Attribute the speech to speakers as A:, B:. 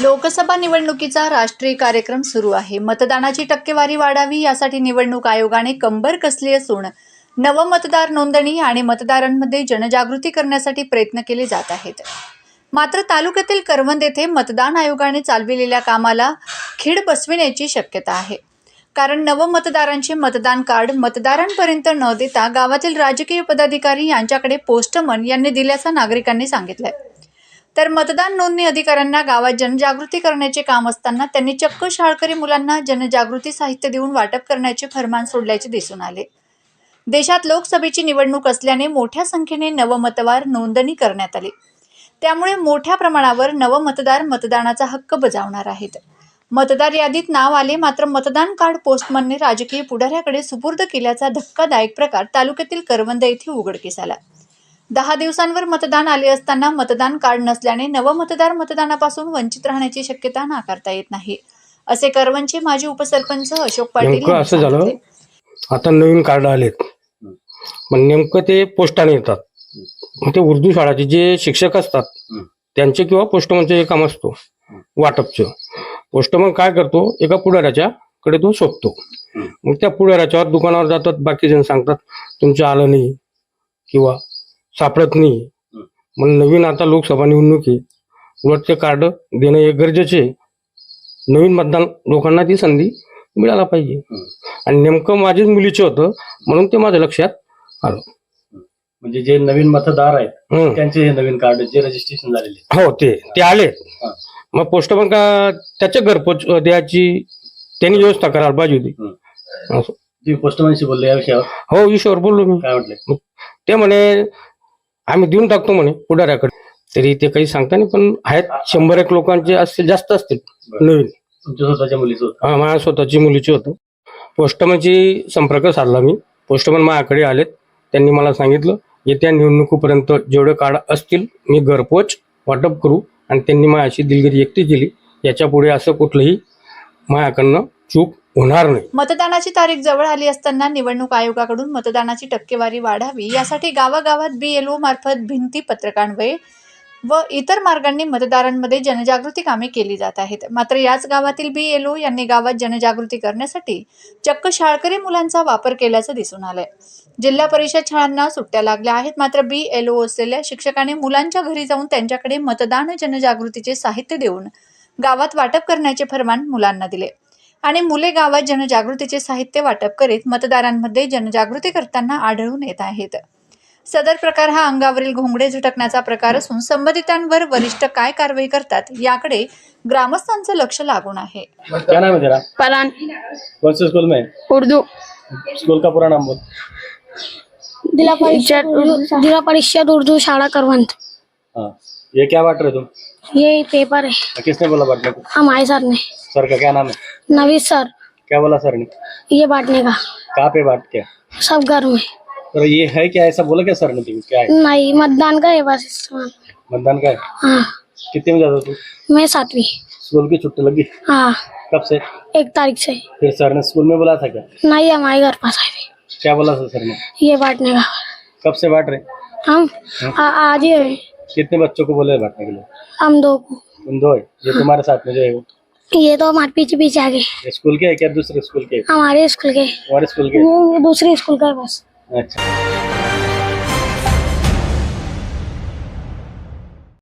A: लोकसभा निवडणुकीचा राष्ट्रीय कार्यक्रम सुरू आहे. मतदानाची टक्केवारी वाढावी यासाठी निवडणूक आयोगाने कंबर कसली असून नवमतदार नोंदणी आणि मतदारांमध्ये जनजागृती करण्यासाठी प्रयत्न केले जात आहेत. मात्र तालुक्यातील करवंद येथे मतदान आयोगाने चालविलेल्या कामाला खीळ बसविण्याची शक्यता आहे. कारण नवमतदारांचे मतदान कार्ड मतदारांपर्यंत न देता गावातील राजकीय पदाधिकारी यांच्याकडे पोस्टमन यांनी दिल्याचं नागरिकांनी सांगितलंय. तर मतदान नोंदणी अधिकाऱ्यांना गावात जनजागृती करण्याचे काम असताना त्यांनी चक्क शाळकरी मुलांना जनजागृती साहित्य देऊन वाटप करण्याचे फरमान सोडल्याचे दिसून आले. देशात लोकसभेची निवडणूक असल्याने मोठ्या संख्येने नवमतदार नोंदणी करण्यात आली. त्यामुळे मोठ्या प्रमाणावर नवमतदार मतदानाचा हक्क बजावणार आहेत. मतदार यादीत नाव आले मात्र मतदान कार्ड पोस्टमनने राजकीय पुढाऱ्याकडे सुपूर्द केल्याचा धक्कादायक प्रकार तालुक्यातील करवंद येथे उघडकीस आला. 10 दिवसांवर मतदान आले असताना मतदान कार्ड नसल्याने नवमतदार मतदानापासून वंचित राहण्याची शक्यता नाकारता येत नाही, असे करवंदचे माजी उपसरपंच अशोक पाटील यांनी
B: असं झालं.
A: सांगितले.
B: आता नवीन कार्ड आलेत, पण नेमकं ते पोस्टाने येतात. मग ते उर्दू शाळाचे जे शिक्षक असतात त्यांचे किंवा पोस्टमनचे काम असतो वाटपचं. पोस्टमन काय करतो, एका पुढाऱ्याच्या कडे तो सोपतो. मग त्या पुढाऱ्याच्यावर दुकानावर जातात, बाकी जण सांगतात तुमचं आलं नाही किंवा सापडत नाही. मग नवीन आता लोकसभा निवडणूक आहे, उलट ते कार्ड देणं हे गरजेचे. नवीन मतदान लोकांना ती संधी मिळायला पाहिजे. आणि नेमकं माझ्याच मुलीचं होतं म्हणून ते माझ्या लक्षात आलं.
C: म्हणजे जे नवीन मतदार आहेत त्यांचे हे नवीन कार्ड जे रजिस्ट्रेशन झालेले
B: हो ते आले. मग पोस्टमन का त्याच्या घरपोच द्यायची त्यांनी व्यवस्था करायला पाहिजे होती.
C: जे पोस्टमनशी बोलले या विषयावर
B: हो, विषयावर बोललो मी.
C: काय म्हटले
B: ते म्हणे आम्ही देऊन टाकतो म्हणे पुढाऱ्याकडे. तरी ते काही सांगता नाही, पण आहेत 100-1 लोकांचे असतील, जास्त असतील नवीन.
C: तुमच्या स्वतःच्या मुलीचं होतं?
B: हा, माझ्या स्वतःची मुलीची होतं. पोस्टमनची संपर्क साधला मी. पोस्टमन माझ्याकडे आलेत. त्यांनी मला सांगितलं येत्या निवडणुकीपर्यंत जेवढे कार्ड असतील मी घरपोच वाटप करू. आणि त्यांनी माझ्याशी दिलगिरी व्यक्त केली. याच्या पुढे असं कुठलंही माझ्याकडनं चूक होणार नाही.
A: मतदानाची तारीख जवळ आली असताना निवडणूक आयोगाकडून मतदानाची टक्केवारी वाढावी यासाठी गावागावात BLO मार्फत भिंती पत्रकान्वये व इतर मार्गांनी मतदारांमध्ये जनजागृती कामे केली जात आहेत. मात्र याच गावातील BLO यांनी गावात जनजागृती करण्यासाठी चक्क शाळकरी मुलांचा वापर केल्याचं दिसून आलंय. जिल्हा परिषद शाळांना सुट्ट्या लागल्या आहेत, मात्र BLO असलेल्या शिक्षकाने मुलांच्या घरी जाऊन त्यांच्याकडे मतदान जनजागृतीचे साहित्य देऊन गावात वाटप करण्याचे फरमान मुलांना दिले आणि मुले गावात जनजागृतीचे साहित्य वाटप करीत मतदारांमध्ये जनजागृती करताना आढळून येत आहेत. सदर प्रकार हा अंगावरील घोंगडे झटकण्याचा प्रकार असून संबंधितांवर वरिष्ठ काय कारवाई करतात याकडे ग्रामस्थांचं लक्ष लागून आहे.
C: क्या नाम है तेरा?
D: परान।
C: कौन से स्कूल में?
D: उर्दू।
C: स्कूल का पूरा नाम बोल।
D: जिला परिषद उर्दू शाला करवंद।
C: हाँ, ये क्या बांट रहे तुम?
D: ये पेपर है।
C: किसने बोला बांटने को?
D: हमारे सर ने।
C: सर का क्या नाम है?
D: नवीद सर।
C: क्या बोला सर ने?
D: ये बांटने का।
C: कहाँ पे बांट के?
D: सब घर में।
C: तो ये है क्या, ऐसा बोला क्या सर ने? तुम क्या है?
D: नहीं, मतदान का है बस इस्तेमाल।
C: मतदान का है?
D: हाँ।
C: कितने में जाता तू?
D: मैं 7वीं।
C: स्कूल की छुट्टी लगी?
D: हाँ।
C: कब से?
D: 1 तारीख से।
C: फिर सर ने स्कूल में बोला था क्या?
D: नहीं, हमारे घर पास आए थे।
C: क्या बोला था सर ने?
D: ये बांटने का।
C: कब से बांट रहे?
D: हम आज ही है।
C: कितने बच्चों को बोले बांटने के लिए?
D: हम 2 को।
C: तुम 2 है? ये तुम्हारे साथ में जो है वो
D: ये तो हमारे पीछे पीछे आ गए।
C: ये स्कूल के है क्या, दूसरे स्कूल के?
D: हमारे स्कूल के।
C: हमारे स्कूल के?
D: ये दूसरे स्कूल का है बस।
C: अच्छा।